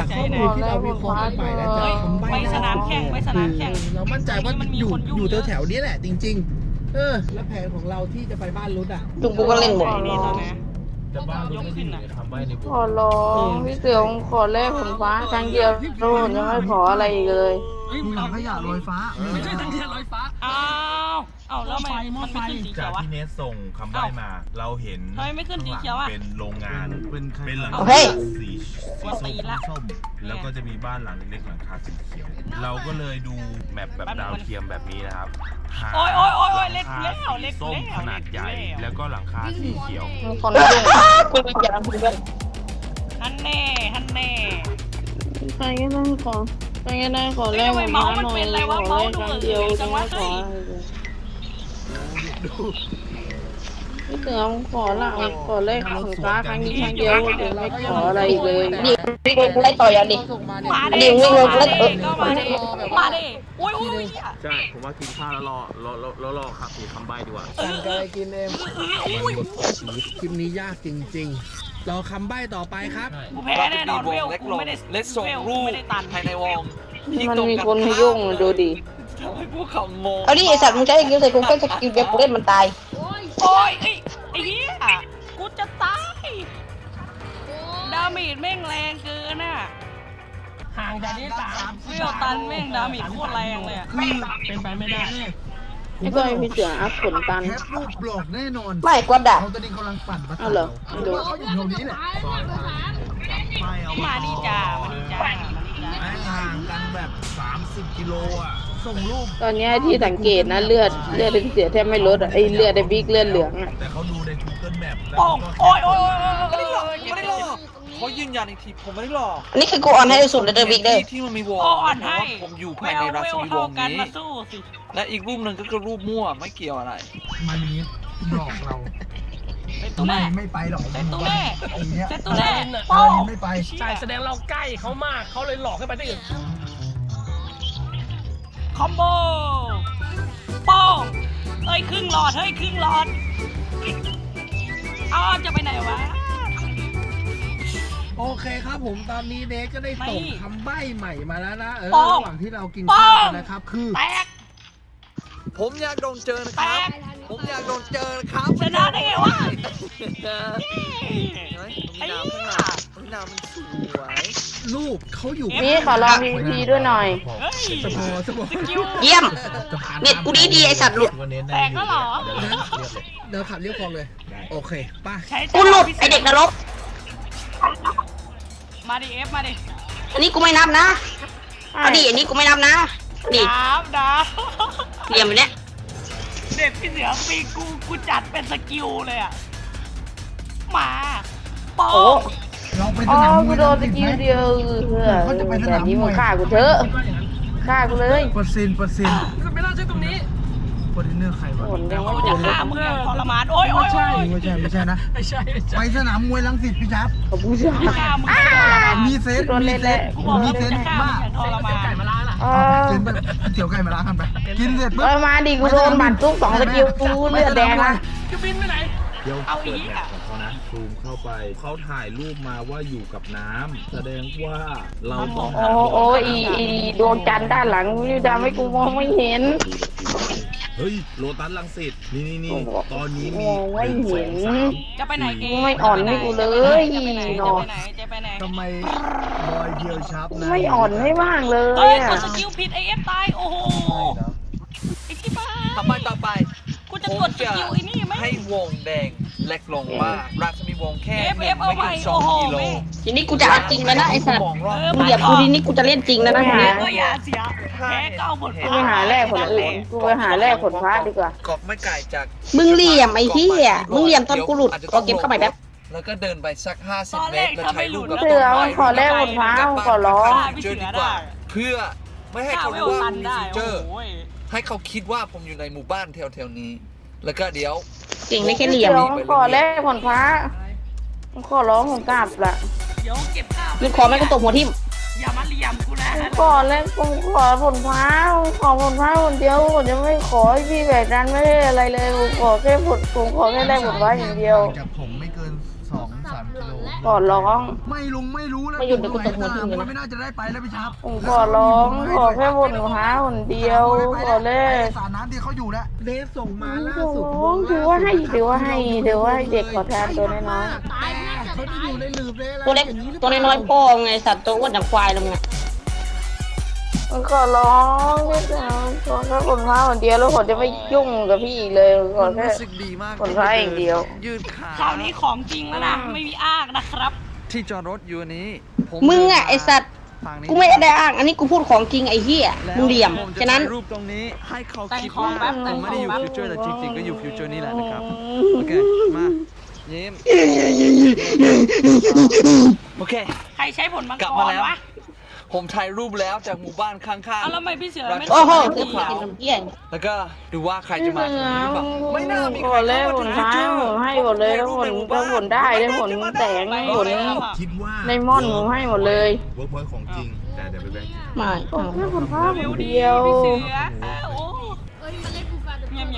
ข้อมูลที่เราวิเคราะห์กันไปและจากคำใบ้ไปสนามแข่งไปสนามแข่งเรามั่นใจว่าอยู่แถวๆนี้แหละจริงๆแล้วแผนของเราที่จะไปบ้านรุดอ่ะจุงกูก็เล่นหมดนี่ตอนนี้แต่บ้านเราไม่ได้อยู่ในคำใบ้ในขอร้องพี่เสือขอแลกผลฟ้าครั้งเดียวโดนยังไม่ขออะไรอีกเลยถังขยะลอยฟ้าไม่ใช่ถังขยะลอยฟ้าอ้าวแล้วมันไม่ขึ้นสีเขีจายวกวะที่เนสส่งคำใบ้มา เราเห็นทำไมไม่ขึ้นสีเขียวอะเป็นโรงงานเป็นหลังเฮ้ยสีส้มแล้วก็จะมีบ้านหลังเล็กๆหลังคาสีเขียว เราก็เลยดูแมปแบบดาวเทียมแบบนี้นะครับหาโอ้ยเล็กหแล้วลังคาสีส้มขนาดใหญ่ แล้วก็หลังคาสีเขียวคนยุ่งกูเป็นอย่างนี้ด้วยฮันแน่ใครก็ได้ขอใครก็ได้ขอแลกผลฟ้าหน่อยขอแลกครั้งเดียวยังไม่ขอพี่เสือขอละขอแลกผลฟ้าครั้งนี้ครั้งเดียวยังไม่ขออะไรอีกเลยดิวิ่งไล่ต่อยอ่ะดิมาดิดิวิ่งลงแล้วก็มาดิโอ้ยใช่ ผมว่ากินข้าวแล้วรอครับมีคำใบ้ดีกว่าสั่งอะไรกินเองคลิปนี้ยากจริงๆรอคำใบ้ต่อไปครับกูแพ้แน่นอนเวลกูไม่ได้เล็กส่งรูปไม่ได้ตันภายในวงมันมีคนมายุ่งดูดิทำให้พวกเขางงเอาดิไอสัตว์มึงใช้กิ้วใส่กูก็จะกิ้วเว็บกูเล่นมันตายโอ้ยไอ้เหี้ยกูจะตายดาเมจแม่งแรงเกินอ่ะห่างจากนี้3เวลตันแม่งดาเมจโคตรแรงเลยอ่ะเป็นไปไม่ได้ไอ้ก็ไอ้พี่เสืออัพผลตันแคปรูปบล็อกแน่นอนไม่กวาดด่าเขาตอนนี้กำลังปั่นประสาเอาเหรอทดูเขาอยู่ตรงนี้แหละมาดีจ้าห่างกันแบบ 30 กิโลอ่ะ ส่งรูปตอนเนี้ยที่สังเกตนะเลือดเป็นเสือแทบไม่ลดอ่ะไอเลือดไอบิ๊กเลือดเหลืองอ่ะแต่เขาดูใน Google Map แล้วโอ้ก็โอ้ยไม่ได้หลอกเขายืนยันอีกทีผมไม่ได้หลอกอันนี้คือกูออนให้สุดเลยเดอบิ๊กเด้อที่มันมีวงอ่อนให้ผมอยู่ภายในราชวิวงศ์นี้มาสู้สิและอีกรูปหนึ่งก็คือรูปมั่วไม่เกี่ยวอะไรมันนี้หลอกเราเป็นตัวแม่ไม่ไปหรอกเป็นตัวแม่ไอ้เนี้ยเป็นตัวแม่อัโป้นนี้ไม่ไปใช่แสดงเราใกล้เขามากเขาเลยหลอกให้ไปที่อื่นคอมโบโป้งเอ้ยครึ่งหลอดเฮ้ยครึ่งหลอดอ้าวจะไปไหนวะโอเคครับผมตอนนี้เนสก็ได้ส่งไม่คำใบ้ใหม่มาแล้วนะป้องระหว่างที่เรากินข้าวกันนะครับ คือแตกผมอยากโดนเจอนะครับ ผมอยากโดนเจอนะครับชนะได้ไงวะเห็นไหมมีน้ำข้างหลังมีน้ำมันสวยรูปเขาอยู่นี่ขอลองพีพีด้วยหน่อยเฮ้ยสมอสมอสกิลเยี่ยมจะผ่านเน็ตกูดีไอสัตว์หลุดแตกก็เหรอเดินขับเรียบคลองเลย โอเคป่ะใช้กูหลุดไอเด็กนรกมาดิเอฟมาดิอันนี้กูไม่นับนะเอาดิอันนี้กูไม่นับนะดิดาบเหลี่ยมแบบเนี้ยเด็ดพี่เสือปีกูจัดเป็นสกิลเลยอ่ะมาโป้โอ้งเราไปสอ๋อนามมกูวยโดนสกิลเดียวแต่นี้มึงฆ่ากูเถอะฆ่ากูเลยเปอร์เซ็นต์ไม่น่าใช่ตรงนี้ฟอร์ดินเนอร์ใครวะผลยังไม่กูผจะลฆ่ามึงอย่างทรมานโอ้ยไม่ใช่ไม่ใช่นะไม่ใช่ไปสนามมวยรังสิตพี่ชับขอบคุณจ้าฆ่ามึงอย่างทรมานมีเซนโดนเล่นแล้วกูบอกมีแล้วเซกูนจะฆ่ามึมาง กอย่างทรมานไก่มาล้างล่ะเซนแบบเตี๋ยวไก่มาล้างกันไป กินเสร็จปุ๊บมาดิกูโดนบัตรทุก2สกิลกูเลือดแดงนะจะบินไปไหนเดี๋ยวเอาอีเปิดกแมอ่ะปของเขานะซูมเข้าไป เขาถ่ายรูปมาว่าอยู่กับน้ำแสดงว่าเราต้องโอ้อีดวงจันทร์ด้านหลังนี่ทำให้กูมองไม่เห็นเฮ้ยโลตัสลังสิตนี่ตอนนี้มีมองไม่เห็นจะไปไหนเองไม่อ่อนให้กูเลยจะไปไหนเนาะจะไปไหนทำไมบอยเดียวชับนะไม่อ่อนให้บ้างเลเฮ้ยยกอะดสกิลผิดไอเอฟตายโอ้โหไอที่บ้าทำไมต่อไปกูจะกดสกิลไอ้นี่ไหมให้วงแดงเล็กลงมากราชมีวงแค่เอฟหเอนึ่ฟงเอาไม่ใหม่ถึง2 โอ้โหกิโลแม่ทีนี้กูจะเอาจริงแล้วนะไอ้สัตว์มองรอบกูเหยียบกูทีนี้กูจะเล่นจริงแล้วนะฮะเอออย่าเสียแพ้ก็เอาหมดกูไปหาแลกผลอื่นกูไปหาแลกผลพระดีกว่ากอกไม่ไกลจากมึงเหลี่ยมไอ้เหี้ยมึงเหลี่ยมตอนกูหลุดเอาเก็บเข้าไปแป๊บแล้วก็เดินไปสัก50 เมตรแล้วใช้ลูกเสือขอแลกผลพระขอร้องเจอดีกว่าเพื่อไม่ให้เขารู้ว่าตันมีได้ฟิวเจโอ้อร์โหให้เขาคิดว่าผมอยู่ในหมู่บ้านแถวๆนี้ แล้วก็เดี๋ยวเก่งได้แค่เหลี่ยมขอแลกผลพระขอร้องผมกราบละเดี๋ยวเก็บข้าวมึงขอแม่งก็ตบหัวทิ่มอย่ามาเหลี่ยมกูนะกูขอแลกกูขอผลพระขอผลพระคนเดียวผมจะไม่ขอให้พี่แบบนั้นไม่ได้อะไรเลยผมขอแค่ผลผมขอแค่แลกผลพระอย่างเดียวจากผมไม่เกิน 2-3 กิโลขอร้องไม่ลุงไม่รู้แล้วไม่หยุดเดี๋ยวกูตบหัวทิ้งเลยนะมันไม่น่าจะได้ไปแล้วพี่ชับผมขอร้องขอแค่คนหาคนเดียวขอเลยสระน้ำที่เขาอยู่แล้วเดฟส่งมาขล่าอสุดร้องถือว่าให้เด็กขอทานตัวน้อยแต่เขาจะอยู่ในหลืบเลยอะไรตัวเล็กอย่างนี้หรือเปตัวล่าน้อยๆพ่อไงสัตว์ตัวอ้วนอย่างควายลงไงขอร้องขอแค่คนหาคนเดียวแล้วผมจะไม่ยุ่งกับพี่อีกเลยขอมันแค่รู้สึกดีมากคนร้ายอย่างเดียวยืดขาคราวนี้ของจริงแล้วนะ ไม่มีอ้างนะครับที่จอดรถอยู่อันนี้ผมึงอ่ะไอสัตว์ทางนี้กูไม่ได้อ้างอันนี้กูพูดของจริงไอ้เหี้ยแล้วมึงเหลี่ยมผจะฉะนั้นถ่ายรูปตรงนี้ให้เขาแต่งคิดของว่าแป๊บผมไม่ได้อยู่แต่งของฟิวเจอร์แต่จริงๆก็อยู่ฟิวเจอร์นี่แหละนะครับโอเคมายิ้มโอเคใครใช้ผลมังกลับกมาร แล้ววะผมถ่ายรูปแล้วจากหมู่บ้านข้างเอาแล้วทำไมพี่เสือไม่โอ้โหถ่ายกูรูปกินอ่ะน้ำเหี้ยๆ แล้วก็ดูว่าใครจะมาถึงหรือเปล่าไม่น่ามีขใครอเล่เข้าผมาลถึงฟิวท้ายเจอร์ผมให้หมดเลยแล้วผลได้แล้วผลแสงผลคิดว่าในมอนผมให้หมดเลยเวิร์กพอยต์ของจริง แต่เดี๋ยวไปแบ่งไม่ขอแค่ผลท้ายคเร็วน ดีเดียวพี่เสือโอ้เงียบ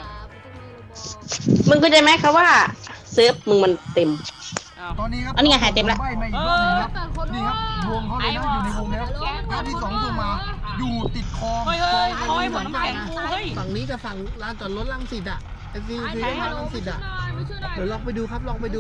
มึงเข้าใจไหมครับว่าเซิร์ฟมึงมันเต็มอ้าวตอนนี้ครับอันนี้ไงหายเต็มละใบ้มาอีกรอบหนึงครับนี่ครับวงเขาเลยนะอยู่ในวงแล้วภาพที่สองส่งมาอยู่ติดคลองเฮ้ยเขาให้ผลน้ำแข็งกูเฮ้ยฝั่งนี้กับฝั่งลานจอดรถลังสิตอ่ะไอซีคือลานลังสิตอ่ะเดี๋ยวลองไปดูครับลองไปดู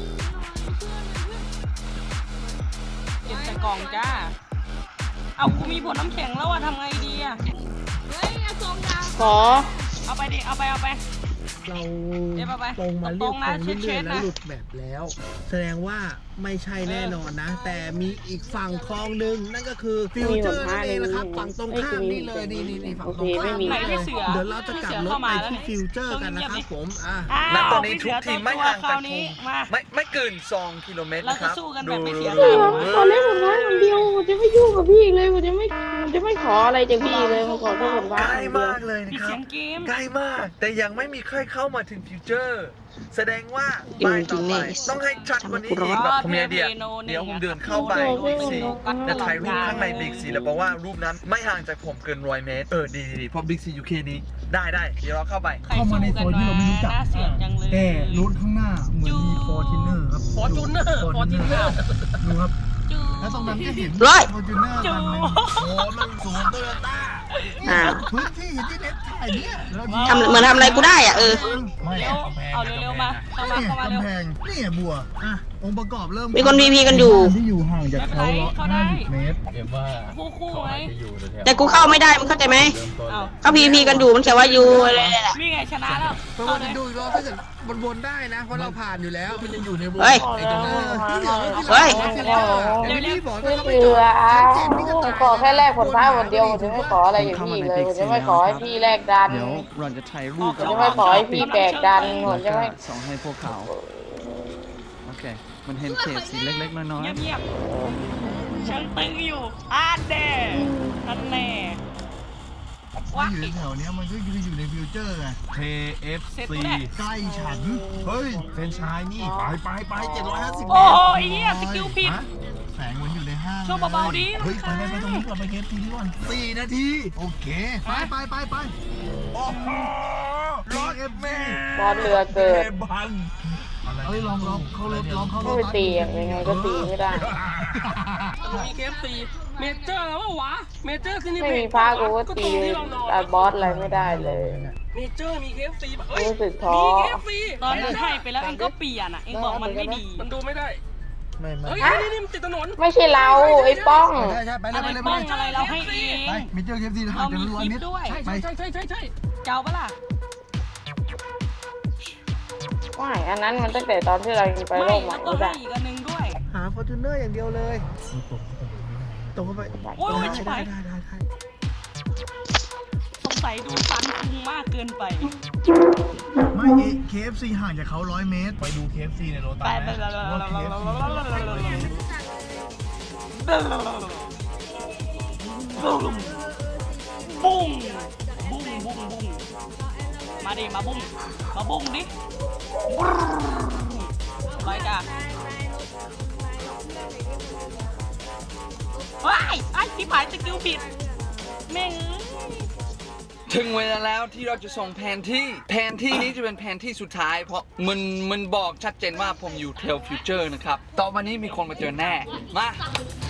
เก็บใส่กล่องจ้า เอากูมีผลน้ำแข็งแล้วอะทำไงดีอะขอเอาไปดิ เอาไปเราเดี๋ยวไปตรงมาเรียบตรงนะตรงเรื่อยเช็ๆดๆแล้วนะหลุดแบบแล้ว แสดงว่าไม่ใช่แน่นอนนะ แต่มีอีกฝั่งคลองหนึ่งนั่นก็คือฟิวเจอร์นั่นเองนะครับฝั่งตรงข้ามนี่เลยนี่ฝั่งตรงข้ามไหนนี่เลพี่ยเสือเดี๋ยวเราจะกลับรถไปที่ฟิวเจอร์กันนะครับผมอ่ะอ้าวณตอนนี้ทุกทีมไม่ห่างคจาราก วนี้มาไม่เกิน2 กิโลเมตรเรานะคจะรับสู้กันแบบไม่เสียขเวลาอเล่ผลท้ายคนเดียวผมจะไม่ยุ่งกับพี่อีกเลยผมจะไม่ขออะไรจากพี่เลยผมขอแค่ผลใกท้ายล้คนเดียวมากเลยนะมีครัเสียบงเกมใกล้มาก แต่ยังไม่มีใครเข้ามาถึงฟิวเจอร์ แสดงว่าจริงป้ายต่อไปๆต้องให้ชัดกว่านี้อีกแบบผมมีไอเดียเดี๋ยวผมเดินเข้าไปบิ๊กซีจะถ่ายรูปข้างในบิ๊กซีแล้วบอกว่ารูปนั้นไม่ห่างจากผมเกิน100 เมตรดีเพราะบิ๊กซีอยู่แค่นี้ได้เดี๋ยวเราเข้าไปเข้ามาในโซนที่เราไม่รู้จักน่าเสียจังเลยแต่รถข้างหน้าเหมือนมีฟอร์จูเนอร์ครับฟอร์จูเนอร์ดูครับจูแล้วตรงนั้นก็เห็นร้อยฟอร์จูเนอร์จูคันหนึงโอ้มันสูงโตโยต้าอ้าวพื้นที่ที่เน็ตถ่ายเนี่ยแล้วทำเหมือนทำอะไรกูได้อ่ะเออไม่เร็วเอาเร็วๆมาเข้ามาเนี่ยเข้ามาเร็วกำแพงนี่บัวอ่ะองค์ประกอบเริ่มมีคน VP กันอยู่ที่อยู่ห่างจากเขาไม่เป็นไรเขาได้ 50 เมตรคู่ไงแต่กูเข้าไม่ได้มึงเข้าใจไหมเอาเขาพีพีกันอยู่มันแค่ว่าอยู่อะไรแหละนี่ไงชนะแล้วเพราะว่าจะดูอีกรอบถ้าเกิดวนๆได้นะ เพราะเราผ่านอยู่แล้วมันจะอยู่ในวงเฮ้ยไอ้ตรงนั้นที่เหลือก็เฮ้ยเดี๋ยวนี้บอกว่าพี่เขาไม่เสืจออดชั้น7นี่ก็ตายขอแค่แลกผลท้ายคนเดียวผมจะไม่ขออะไรอย่างพี่เลยผมจะไม่ขอให้พี่แลกดันเดี๋ยวเราจะถ่ายรูปผมจะไม่ขอให้พี่แบกดันผมจะไม่ส่งให้พวกเขาโอเค มันเห็นเขตสีเล็กๆ น้อยเงียบๆฉันตึงอยู่แน่นั่นแน่ๆว้าอยู่แถวเนี้ยมันก็คืออยู่ในฟิวเจอร์ไงเสร็จ KFC แล้วใกล้ฉันเฮ้ยเป็นชายนี่ไป750 โอ้ยเหี้ยสกิลผิดแสงมันอยู่ในห้างช่วยเบาๆดิเฮ้ยไปตรงนี้กลับไปเคฟซีดีก่อน4 นาที โอเค ไปโอ้โหรถเอฟเมบอลเรือเกิดบังเฮ้ยลองเข้ารถลองเข้ารไม่ถไปตีอ่ะยังไงก็ตีไม่ได้มีเคฟซีเมเจอร์แล้ววะเมเจอร์คือนี่ไม่มีผ้ากูก็ตีแต่บอสอะไรไม่ได้เลยเมเจอร์มีเคฟซีรู้สึกท้อมีเคฟซีตอนนั้นให้ไปแล้วเองก็เปลี่ยนอ่ะ เองบอกมันไม่ดีมันดูไม่ได้ไม่เฮ้ยนี่มันติดถนนไม่ใช่เราไอ้ป้องใช่ไปเลอะยไรไปเลยป้องอะไรเราให้เองไปมิเจอร์เคฟซีห่างจากร้อยเมตรด้วยไปใช่เจ้าปะล่ะไม่อันนั้นมันตั้งแต่ตอนที่เรายังไปไม่โลกใหม่แล้วก็ไม่ให้ได้อีกอันนึงด้วยหาฟอร์จูเนอร์อย่างเดียวเลยตรงเข้าไปโอ้ยชิบหายได้สงสัยดูฟันคุงมากเกินไปไม่เคฟซีห่างจากเขา100 เมตรไปดู KFC ในโรไปตัสไปไหมบุ้งบุ้งมาดิมาบุ้งดิไรจ้ะว้ายไอ้ที่ผายสกิลผิดแม่งถึงเวลาแล้วที่เราจะส่งแผนที่นี้จะเป็นแผนที่สุดท้าย เพราะมันบอกชัดเจนว่าผมอยู่เทลฟิวเจอร์นะครับต่อมานี้มีคนมาเจอแน่มา